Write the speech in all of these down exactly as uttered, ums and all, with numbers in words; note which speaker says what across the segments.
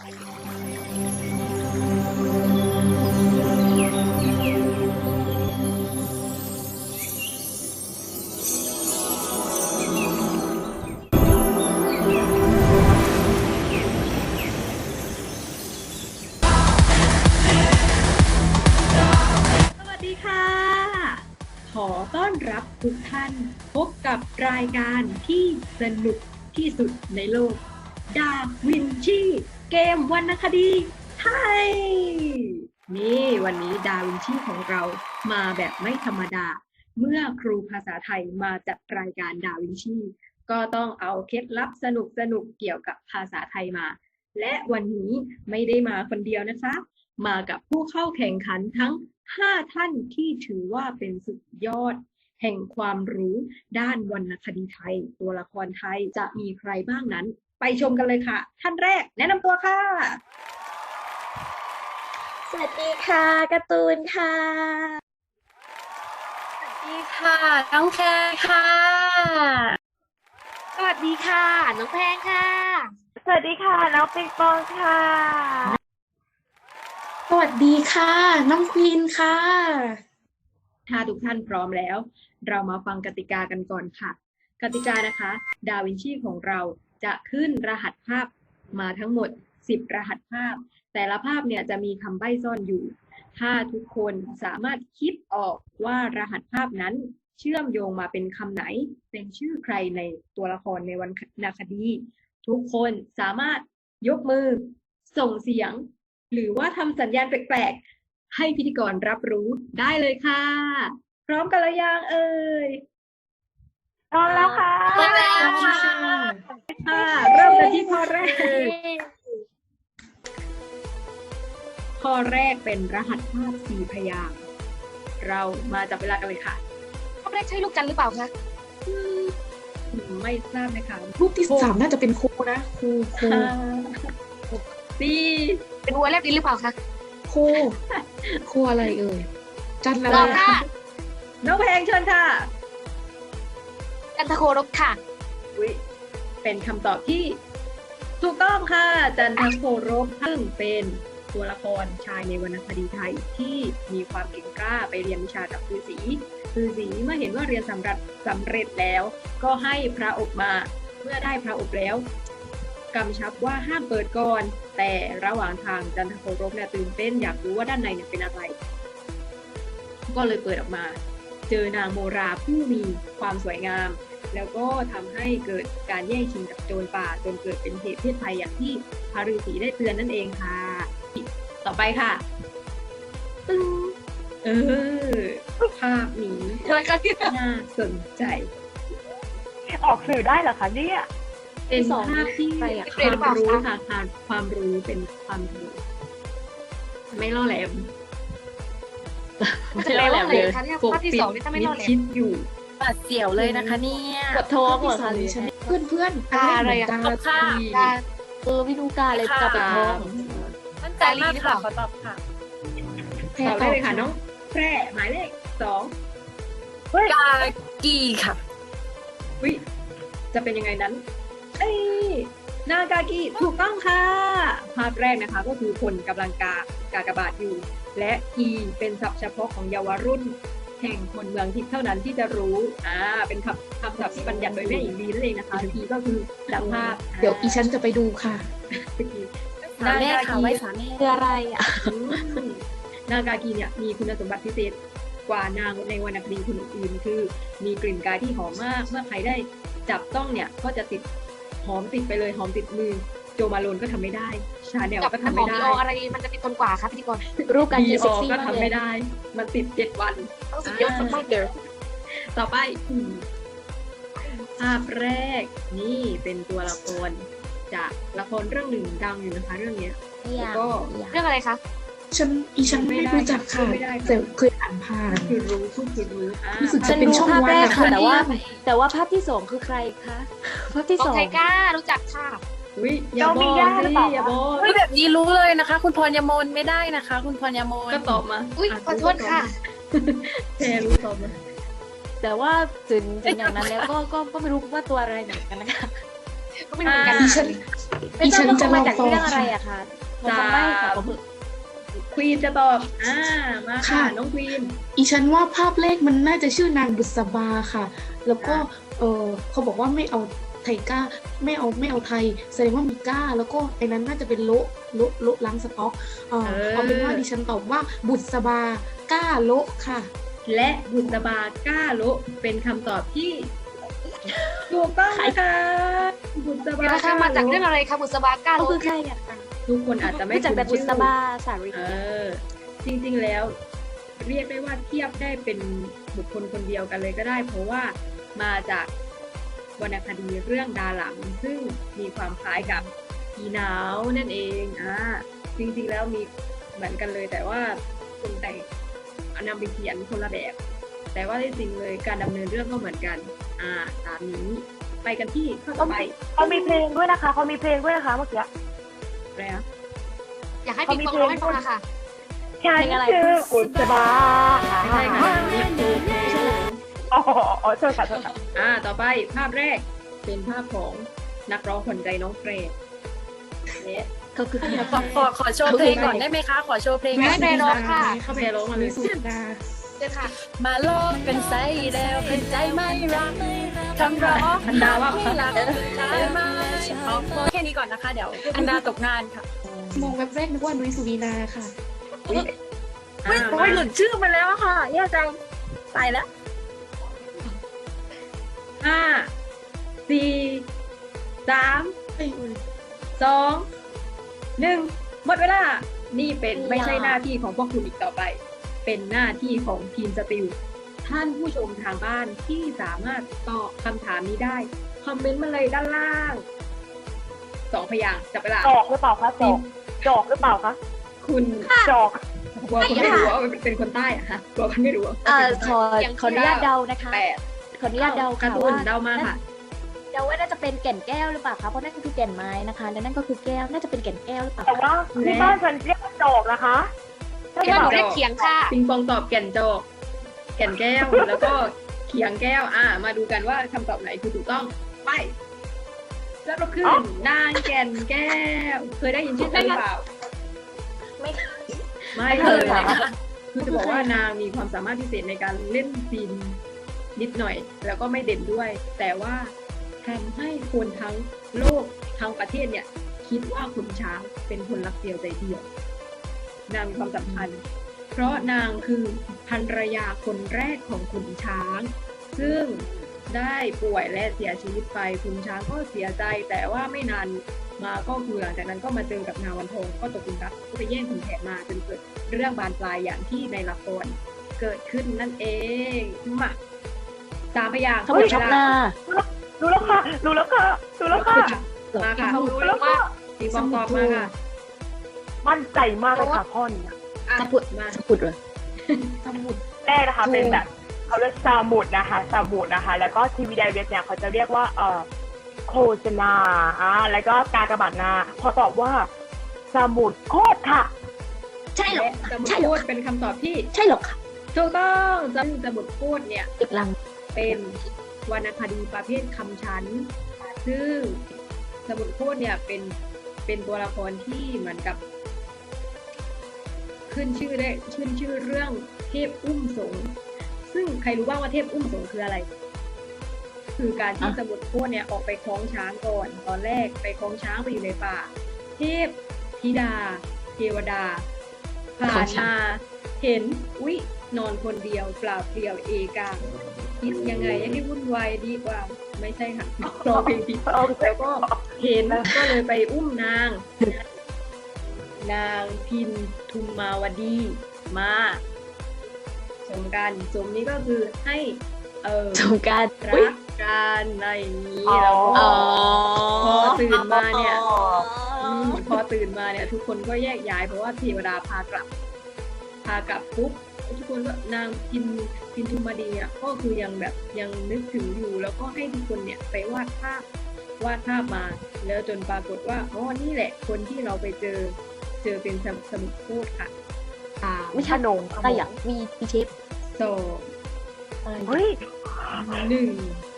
Speaker 1: ขอต้อนรับทุกท่านพบกับรายการที่สนุกที่สุดในโลกดาวินชีเกมวรรณคดีไทยนี่วันนี้ดาวินชีของเรามาแบบไม่ธรรมดาเมื่อครูภาษาไทยมาจัดรายการดาวินชีก็ต้องเอาเคล็ดลับสนุกสนุกเกี่ยวกับภาษาไทยมาและวันนี้ไม่ได้มาคนเดียวนะคะมากับผู้เข้าแข่งขันทั้งห้าท่านที่ถือว่าเป็นสุดยอดแห่งความรู้ด้านวรรณคดีไทยตัวละครไทยจะมีใครบ้างนั้นไปชมกันเลยค่ะท่านแรกแนะนำตัวค่ะ
Speaker 2: สวัสดีค่ะการ์ตูนค่ะ
Speaker 3: สวัสดีค่ะน้องแพรค่ะ
Speaker 2: สวัสดีค่ะน้องแพงค่ะ
Speaker 4: สวัสดีค่ะน้องปิงปองค่ะ
Speaker 5: สวัสดีค่ะน้องควีนค่ะ
Speaker 1: ถ้าทุกท่านพร้อมแล้วเรามาฟังกติกากันก่อนค่ะกติกานะคะดาวินชีของเราจะขึ้นรหัสภาพมาทั้งหมดสิบรหัสภาพแต่ละภาพเนี่ยจะมีคำใบ้ซ่อนอยู่ถ้าทุกคนสามารถคิดออกว่ารหัสภาพนั้นเชื่อมโยงมาเป็นคำไหนเป็นชื่อใครในตัวละครในวรรณคดีทุกคนสามารถยกมือส่งเสียงหรือว่าทำสัญญาณแปลกๆให้พิธีกรรับรู้ได้เลยค่ะพร้อมกันหรือยังเอ่ย
Speaker 4: พร้อมแล้วค่ะ
Speaker 3: พร้อมแล้วค่ะ
Speaker 1: ค่ะเริ่มกันที่ข้อแรกข้อแรกเป็นรหัสภาพสี่พยางค์เรามาจับเวลากันเลยค่ะ
Speaker 2: ข้อแรกใช่ลูกจันทร์หรือเปล่าคะ
Speaker 1: ไม่ทราบนะคะ
Speaker 5: รูปที่สามน่าจะเป็นครูนะครูครู
Speaker 1: สี่
Speaker 2: เป็นวัวแลบลิ้นหรือเปล่าคะ
Speaker 5: ครูครูอะไรเอ่ยจันอะไร
Speaker 2: ค่ะ
Speaker 1: น้องแพงเชิญค่ะ
Speaker 2: จันทโครบค่ะ
Speaker 1: อุ๊ยเป็นคำตอบที่ถูกต้องค่ะจันทโครบซึ่งเป็นตัวละครชายในวรรณคดีไทยที่มีความเก่งกล้าไปเรียนวิชากับฤาษีฤาษีเมื่อเห็นว่าเรียนสำเร็จสำเร็จแล้วก็ให้พระอบมาเมื่อได้พระอบแล้วกำชับว่าห้ามเปิดก่อนแต่ระหว่างทางจันทโครบเนี่ยตื่นเต้นอยากรู้ว่าด้านในเนี่ยเป็นอะไรก็เลยเปิดออกมาเจอนางโมราผู้มีความสวยงามแล้วก็ทำให้เกิดการแย่งชิงกับโจรป่าจนเกิดเป็นเหตุเพศภัยอย่างที่พระฤาษีได้เตือนนั่นเองค่ะต่อไปค่ะตึ้งเออภาพนี้น่าสนใจ
Speaker 4: ออกสื่อได้เหรอคะเนี่ย
Speaker 1: เป็นภาพที่ความรู้ค่ะความรู้เป็นความรู้ไม่ล่อแหลม
Speaker 2: ไม่ล่อแหลมเลยปกปิด
Speaker 1: มิดชิดอยู่
Speaker 3: ปัดเสี่ยวเลยนะคะเนี่ย
Speaker 5: ปวดท้องเหรอคะเพื่อนเพื่อน
Speaker 2: กาอะไรอะ
Speaker 3: ค่ะ
Speaker 2: เออไม่รู้กาอะไรกับปวดท้อง
Speaker 3: มั่นใจมากค่ะขอตอบค่ะ
Speaker 1: ตอบได้เลยค่ะน้องแพร่หมายเลขสอง
Speaker 3: กากีค่ะ
Speaker 1: วิจะเป็นยังไงนั้นเอ้ยนากากิถูกต้องค่ะภาพแรกนะคะก็คือคนกำลังกากากบาทอยู่และกีเป็นศัพท์เฉพาะของเยาวรุ่นแห่งคนเมืองทิพย์เท่านั้นที่จะรู้อ่าเป็นคำคำศัพท์ที่บัญญัติโดยแม่หญิงลีนั่นเองนะคะกีก็คือดังภาพ
Speaker 5: เดี๋ยวอีฉันจะไปดูค่ะ
Speaker 3: นากากีไว้สามี
Speaker 2: คืออะไรอ่ะ
Speaker 1: นากากีเนี่ยมีคุณสมบัติพิเศษกว่านางในวรรณคดีคนอื่นคือมีกลิ่นกายที่หอมมากเมื่อใครได้จับต้องเนี่ยก็จะติดหอมติดไปเลยหอมติดมือโจมาโลนก็ทำไม่ได้ชาแนลก็ทำไม่ได้
Speaker 2: อะไรมันจะติดทนกว่าครับพิธีกร
Speaker 1: รูปการยืนเซ็กซี่ก็ทำไม่ได้มันติดเจ็ดวัน
Speaker 2: ต้องสุดยอดมากเดี๋ยว
Speaker 1: ต่อไปภาพแรกนี่เป็นตัวละครจากละครเรื่องหนึ่งดังอยู่นะคะเรื่องนี้แล้วก็
Speaker 2: เรื่องอะไรคะ
Speaker 5: ฉันอีฉันไม่รู้จักค่ะแต่เคยอ่านผ่าน
Speaker 1: คือรู้คือรู้
Speaker 5: รู้สึกจะเป็นช่องวัน
Speaker 2: ค่ะแต่ว่าแต่ว่าภาพที่สองคือใครคะภาพที่สองใครกล้ารู้จักค่ะ
Speaker 1: อุ้ยอย่าบอกสิอย่าบอก
Speaker 3: แบบนี้รู้เลยนะคะคุณพรยมนไม่ได้นะคะคุณพรยมน
Speaker 1: ก็ตอบมา
Speaker 2: อุ้ยขอโทษค่ะ
Speaker 1: แพรรู้ตอบมา
Speaker 2: แต่ว่าถึงถึงอย่างนั้นแล้วก็ก็ก็ไม่รู้ว่าตัวอะไรเหมือนกันนะคะก็ไม่เหมือนกัน
Speaker 5: ดิฉัน
Speaker 2: ไม่
Speaker 5: ดิ
Speaker 2: ทรา
Speaker 5: ฉั
Speaker 2: บ
Speaker 5: น
Speaker 2: ว่า
Speaker 5: จะ
Speaker 2: เขา
Speaker 5: ล
Speaker 2: มา
Speaker 5: อง
Speaker 2: จาก
Speaker 5: ฟ้อง
Speaker 2: เรื่องอะไร
Speaker 5: ค่ะ
Speaker 2: อะคะขอคำใบ้ค่ะขอ
Speaker 1: ควีนจะตอบอ่ามาค่ะ
Speaker 5: ค่ะ
Speaker 1: น้องควีน
Speaker 5: อีฉันว่าภาพแรกมันน่าจะชื่อนางบุษบาค่ะ แล้วก็
Speaker 1: อ่ะ
Speaker 5: เออเขาบอกว่าไม่เอาไทยก้าไม่เอาไม่เอาไทย แสดงว่ามีก้า แล้วก็ไอ้นั้นน่าจะเป็นโละโละโละล้างสต๊อกเออ
Speaker 1: เออ
Speaker 5: เอาเป็นว่าดิฉันตอบว่าบุษบาก้าโละค่ะ
Speaker 1: และบุษบาก้าลุเป็นคำตอบที่ถูกต้องนะคะบุษบา
Speaker 2: ราคามาจากเรื่องอะไรคะบุษบาก้า
Speaker 1: เขา
Speaker 2: เขา
Speaker 1: คื
Speaker 2: คือ อ
Speaker 1: ใค
Speaker 2: ใค
Speaker 1: ร
Speaker 2: ร
Speaker 1: อะ
Speaker 2: อะ
Speaker 1: ทุกคนอาจจะไม่
Speaker 2: รู้จักแต่บุ
Speaker 1: คุ้น
Speaker 2: ษ
Speaker 1: ชื่อ
Speaker 2: บาสารี
Speaker 1: เออจริงๆแล้วเรียกได้ว่าเทียบได้เป็นบุคคลคนเดียวกันเลยก็ได้ เพราะว่ามาจากวรรณคดีเรื่องดาหลังซึ่งมีความคล้ายกับอีหนาวนั่นเองอ่าจริงๆแล้วมีเหมือนกันเลย แต่ว่าคนแต่งนำไปเขียนคนละแบบ แต่ว่าที่จริงเลยการดำเนินเรื่องก็เหมือนกัน อ่า ตามนี้ไปกันที่ข้อต่อไป
Speaker 4: เขามีเพลงด้วยนะคะเขามีเพลงด้วยนะคะเมื่อกี้
Speaker 1: อะไรนะ
Speaker 2: อยากให้ปิงปองร้องให้ฟังนะคะ
Speaker 4: ฉัน
Speaker 2: เพลงอะไร
Speaker 4: ชื่อบุษบา
Speaker 1: ไม่ใช่ค่ะนี่คือ
Speaker 4: อ๋ออ๋อโทษค่ะโทษค่ะ
Speaker 1: อ่า ต่อไปภาพแรกเป็นภาพของนักร้องขวัญใจน้องเฟรดเนี่ย
Speaker 2: เขาคือใคร
Speaker 3: ขอขอขอโชว์เพลงก่อนได้ไหมคะ ขอโชว์เพลง
Speaker 2: ไม่ได้ร้องค่ะ
Speaker 1: เข้าไปร้องมาเลย
Speaker 5: สุดา
Speaker 2: เดี๋ยวค่ะ
Speaker 3: มาโลกกันใส่แล้วเป็นใจไม่รักคำร้อง
Speaker 1: อันดาว่า
Speaker 3: ไม่รักได้ไหมเอาแค่นี้ก่อนนะคะ เดี๋ยวอันดาตกงานค่ะ
Speaker 5: มองแวบแรกนึกว่านุ้ยสุวีนาค่ะ
Speaker 1: อ่า
Speaker 3: โอ้
Speaker 1: มาย
Speaker 3: หลุดชื่อไปแล้วค่ะแย่จังไปแล้ว
Speaker 1: ห้าสี่สาม
Speaker 5: เอ้ยอุ๊ย
Speaker 1: สองหนึ่งหมดเวลา นี่เป็น
Speaker 2: อย่า
Speaker 1: ไม่ใช่หน้าที่ของพวกคุณอีกต่อไป เป็นหน้าที่ของทีมสติลท่านผู้ชมทางบ้านที่สามารถตอบคำถามนี้ได้ คอมเมนต์มาเลยด้านล่างสองพยางค์จับเวลา
Speaker 4: จอกหรือเปล่าคะจอกจอกหรือเปล่าคะ
Speaker 1: คุณ
Speaker 4: จอก
Speaker 1: กลัวคนไม่รู้ว่าเป็นคนใต้อะฮะกลัวคนไม่รู้ว่า
Speaker 2: เอ่อ
Speaker 1: เป็น
Speaker 2: ข
Speaker 1: คน
Speaker 2: อ
Speaker 1: ใต้
Speaker 2: ขออนุญาตเดานะคะ
Speaker 1: แปด
Speaker 2: ขออนุญาตเดา
Speaker 1: การ์
Speaker 2: ค่ะ
Speaker 1: ตูน
Speaker 2: ว่า
Speaker 1: เดามาค่ะ
Speaker 2: เดาว่าน่าจะเป็นแก่นแก้วหรือเปล่าคะเพราะนั่นก็คือแก่นไม้นะคะและนั่นก็คือแก้วน่าจะเป็นแก่นแก้วหรือเปล่า
Speaker 4: แต่ว่าที่บ้านฉันเรียกว่าจอกนะคะใช่
Speaker 1: แก่
Speaker 4: เป
Speaker 1: น
Speaker 4: ล่า
Speaker 1: จอก
Speaker 2: เรียกเขียงค่ะ
Speaker 1: ปิงปองตอบแก่นจอกแก่นแก้ว แล้วก็เขียงแก้ว อ่า มาดูกันว่าคำตอบไหนคือถูกต้อง ไป แล้วก็ขึ้นนางแก่นแก้ว เคยได้ยินชื่อเธอหรือเปล่า
Speaker 2: ไม่
Speaker 1: ไม่
Speaker 2: ไม่
Speaker 1: เค
Speaker 2: เค
Speaker 1: ย
Speaker 2: ยค่ะ
Speaker 1: นะคะคือจะบอกว่านางมีความสามารถพิเศษในการเล่นซีนนิดหน่อย แล้วก็ไม่เด่นด้วย แต่ว่าทำให้คนทั้งโลกทั้งประเทศเนี่ย คิดว่าขุนช้างเป็นคนรักเดียวใจเดียว นางมีความสำคัญ เพราะนางคือภรรยาคนแรกของขุนช้าง ซึ่งได้ป่วยและเสียชีวิตไปขุนช้างก็เสียใจ แต่ว่าไม่นานมาก็คือหลังจากนั้นก็มาเจอกับนางวันทองก็ตกหลุมรักก็ไปแย่งขุนแผนมาจนเกิดเรื่องบานปลายอย่างที่ในละครเกิดขึ้นนั่นเองมาสามพยางค์
Speaker 2: เขาบอกชอบหน้า
Speaker 4: รู้แล้วค่ะรู้แล้วค่ะรู้แล้วค่ะ
Speaker 1: มาค่ะ
Speaker 4: รู้แล้วค่ะ
Speaker 1: ตีบองตอบมาค่ะ
Speaker 4: มั่นใจมากเลยค่ะข้อนี้
Speaker 1: อ่ะ
Speaker 2: สมุด
Speaker 1: มา
Speaker 2: สมุดเหรอ
Speaker 5: สมุด
Speaker 4: แรกนะคะเป็นแบบเขาเรียกซามุดนะคะซามุดนะคะ แล้วก็ทีวีไดเวทเนี่ยเขาจะเรียกว่าเอ่อโฆษณาอ่าแล้วก็การกระบาดนาพอตอบว่าสมุดโคตรค่ะ
Speaker 2: ใช่เหรอ
Speaker 1: และสมุด
Speaker 2: ใช่เหร
Speaker 1: พู
Speaker 2: อ
Speaker 1: ดเป็นคำตอบที่
Speaker 2: ใช่เหรอค่ะ
Speaker 1: ถูกต้องซึ่งสมุดพูดเนี่ย
Speaker 2: อีกลัง
Speaker 1: เป็นวรรณคดีประเภทคำชั้น ซึ่งสมุดพูดเนี่ยเป็นเป็นตัวละครที่เหมือนกับ ขึ้นชื่อได้ขึ้นชื่อเรื่องเทพอุ้มสงฆ์ซึ่งใครรู้บ้างว่าเทพอุ้มสงฆ์คืออะไร คือการที่
Speaker 2: อ่ะ
Speaker 1: สมุดพูดเนี่ยออกไปคล้องช้างก่อน ตอนแรกไปคล้องช้างไปอยู่ในป่า เทพธิดา เทวดาผ่านมาเห็นอุ๊ยนอนคนเดียวเปล่าเปลี่ยวเอกาคิดยังไงให้วุ่นวายดีกว่า ไม่ใช่ค่ะรอเพลงผิดแล้วก็เห็นก็เลยไปอุ้มนาง นางพินทุมมาวดีมาสมกันสมนี้ก็คือให้เออ
Speaker 2: สงการ
Speaker 1: รักกันอะไรอย่างนี้
Speaker 4: อ๋อ
Speaker 1: แล้วก็
Speaker 2: อ๋อ
Speaker 1: พอตื่นมาเนี่ย มพอตื่นมาเนี่ยทุกคนก็แยกย้ายเพราะว่าเทวดาพากลับ พากลับปุ๊บทุกคนก็นางพินพินทุมาดีเนี่ยก็คือยังแบบยังนึกถึงอยู่ แล้วก็ให้ทุกคนเนี่ยไปวาดภาพวาดภาพมา แล้วจนปรากฏว่าอ๋อนี่แหละคนที่เราไปเจอเจอเป็นสมุดสมุดพูดค่ะสาม
Speaker 2: ไม่ใช่
Speaker 4: ขนม
Speaker 2: แต่อย่างมีมีเชฟ
Speaker 1: สอง
Speaker 2: อะไร
Speaker 4: เฮ้ย
Speaker 1: หนึ่ง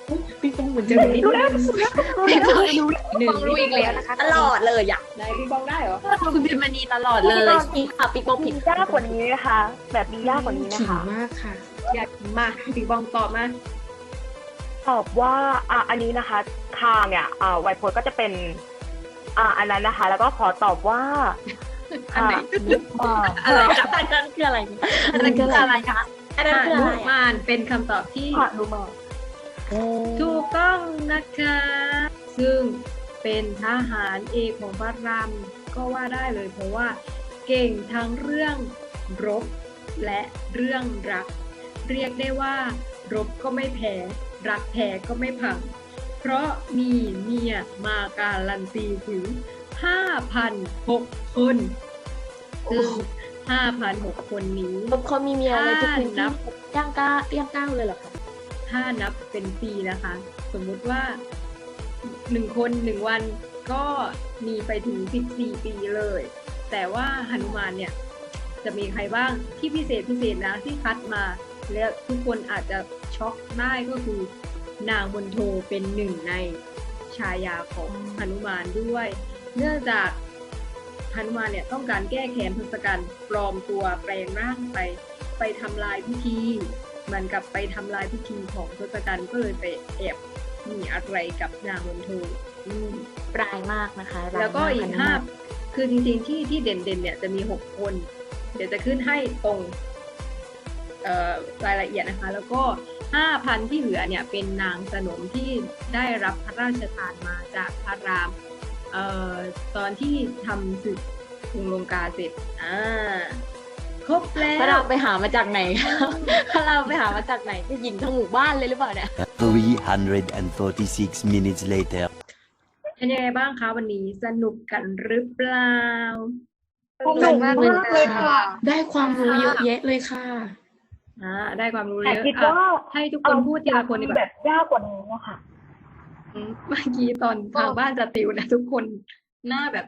Speaker 5: ปิงปองเหมือนจะรู้
Speaker 4: รู้แล้วรู้แล้วรู้แล้วรู้แล้ว
Speaker 1: หนึ่ง
Speaker 2: ต้องรู้อีกแล้วนะคะตลอดเลยอ่ะ
Speaker 1: ได้พี่บองได้เหรอ
Speaker 2: คุณพิมพ์มณีตลอดเลยผิดค่ะปิงปองผิ
Speaker 4: มี
Speaker 2: ด
Speaker 4: ยากกว่านี้นะคะ แบบมียากกว่านี้นะ
Speaker 5: ขิง
Speaker 4: คะ
Speaker 5: มากค่ะ
Speaker 1: อยากมาพี่บองตอบมา
Speaker 4: ตอบว่าอ่ะอันนี้นะคะคางเนี่ยอ่าไวโพสก็จะเป็นอ่าอันนั้นนะคะ แล้วก็ขอตอบว่า
Speaker 1: อันไหน
Speaker 4: นุมาน
Speaker 2: อะไรคะอันนั้นคืออะไรอันนั้นคืออะไรคะอันนั้นคือ
Speaker 1: ห
Speaker 2: อะไร
Speaker 1: นุมานเป็นคำตอบที่
Speaker 4: หานุมาน
Speaker 1: ถูกต้องนะคะ ซึ่งเป็นทหารเอกของพระรามก็ว่าได้เลยเพราะว่าเก่งทั้งเรื่องรบและเรื่องรัก เรียกได้ว่ารบก็ไม่แพ้รักแพ้ก็ไม่พัง เพราะมีเมียมาการันตีถึง ห้าพันหก คนซึ่ง ห้าพันหก คนนี้
Speaker 2: เขามีเมียในทุกพื้น
Speaker 1: นั
Speaker 2: ที่
Speaker 1: บ
Speaker 2: ย่างก้าย่างก้าวเลยเหรอคะ
Speaker 1: ถ้านับเป็นปีนะคะ สมมุติว่าหนึ่งคนหนึ่งวันก็มีไปถึงสิบสี่ปีเลย แต่ว่าหนุมานเนี่ยจะมีใครบ้างที่พิเศษพิเศษนะที่คัดมา และทุกคนอาจจะช็อกได้ก็คือนางมณโฑเป็นหนึ่งในฉายาของหนุมานด้วย เนื่องจากหนุมานเนี่ยต้องการแก้แค้นทศกัณฐ์ปลอมตัวแปลงร่างไปไปทำลายพิธีเหมือนกับไปทำลายพิธีของทศกัณฐ์ก็เลยไปแอบมีอะไรกับนางมณโฑอืม
Speaker 2: ปลายมากนะคะร้าย
Speaker 1: แล้วก็อีก
Speaker 2: ม
Speaker 1: ห้า
Speaker 2: ค่ะ
Speaker 1: คือจริงๆที่ที่เด่นๆเนี่ยจะมีหกคน เดี๋ยวจะขึ้นให้ตรงเอ่อรายละเอียดนะคะ แล้วก็ห้าพันที่เหลือเนี่ยเป็นนางสนมที่ได้รับพระราชทานมาจากพระรามเอ่อตอนที่ทำศึกกรุงลงกาเสร็จอ่าครบแล้
Speaker 2: ถ้าเรา
Speaker 1: ว
Speaker 2: ไปหามาจากไหนคะถ้าเราไปหามาจากไหนจะยิงทั้งหมู่บ้านเลยหรือเปล่าเนี่ย
Speaker 6: three hundred forty-six minutes later.
Speaker 1: เป็นยังไงบ้างคะวันนี้สนุกกันหรือเปล่า
Speaker 4: สนุกมากเลยค่ะ
Speaker 5: ได้ความรู้เยอะแยะเลยค่ะ
Speaker 1: อ่าได้ความรู้
Speaker 4: แต่
Speaker 1: เยอะ
Speaker 4: คิด
Speaker 1: อ่ะ
Speaker 4: ว่า
Speaker 1: ให้ทุกคนพูดทีละคนดีก
Speaker 4: แบ
Speaker 1: ว่า
Speaker 4: บยากกว่านี้นะคะ
Speaker 1: อืมเมื่อกี้ตอนทางบ้านจะติวนะทุกคนหน้าแบบ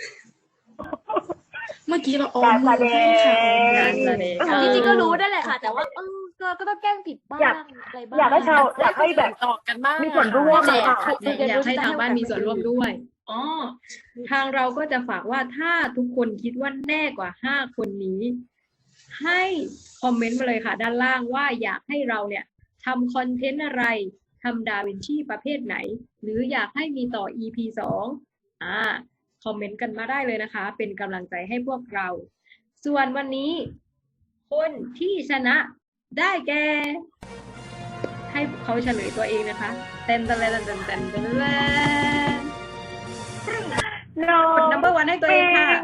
Speaker 5: เมื่อกี้เราออมมือให้ค่ะ
Speaker 1: การแสดง
Speaker 2: จริงๆก็รู้ได้แหละค่ะ แต่ว่าเออก็ก็ต้องแกล้งผิดบ้าง
Speaker 4: อยาก
Speaker 2: อะไรบ้าง
Speaker 4: อยากให้ชาวอยากให้แบบ
Speaker 3: ต่อกันบ้าง
Speaker 4: มีส่วนร่วม
Speaker 2: แต่
Speaker 4: อะ
Speaker 2: ใครจะเรียน
Speaker 1: อยาก
Speaker 2: รู้
Speaker 1: ให้ทางบ้านมีส่วนร่วม
Speaker 2: ด้
Speaker 1: ด้วยอ๋อทางเราก็จะฝากว่าถ้าทุกคนคิดว่าแน่กว่าห้าคนนี้ ให้คอมเมนต์มาเลยค่ะ ด้านล่างว่าอยากให้เราเนี่ยทำคอนเทนต์อะไรทำดาวินชีประเภทไหน หรืออยากให้มีต่อ อี พี สองอ่าคอมเมนต์กันมาได้เลยนะคะ เป็นกำลังใจให้พวกเรา ส่วนวันนี้ คนที่ชนะได้แก่ ให้เขาเฉลยตัวเองนะคะเต้นเต้นเต้นเต้นเต้นเต้นเต้น
Speaker 4: น้อก
Speaker 1: ด
Speaker 4: ง
Speaker 1: number one ให้ตัวเองค่ะ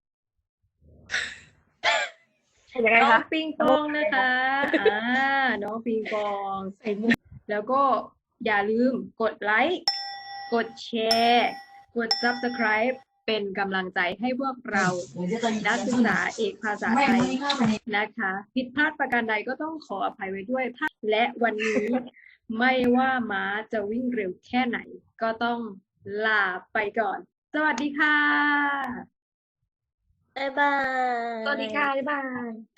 Speaker 4: เห็นยังไง
Speaker 1: น้อง
Speaker 4: คะ
Speaker 1: ปิงปองนะคะอ่าน้องปิงปอง
Speaker 5: ใส่มุก
Speaker 1: แล้วก็อย่าลืมกดไลค์ กดแชร์ กด subscribe เป็นกำลังใจให้พวกเรา นักศึกษาเอกภาษาไทยนะคะ ผิดพลาดประการใดก็ต้องขออภัยไว้ด้วย และวันนี้ ไม่ว่าม้าจะวิ่งเร็วแค่ไหน ก็ต้องลาไปก่อน สวัสดีค่ะ
Speaker 2: บ๊ายบาย
Speaker 1: สวัสดีค่ะ บ๊ายบาย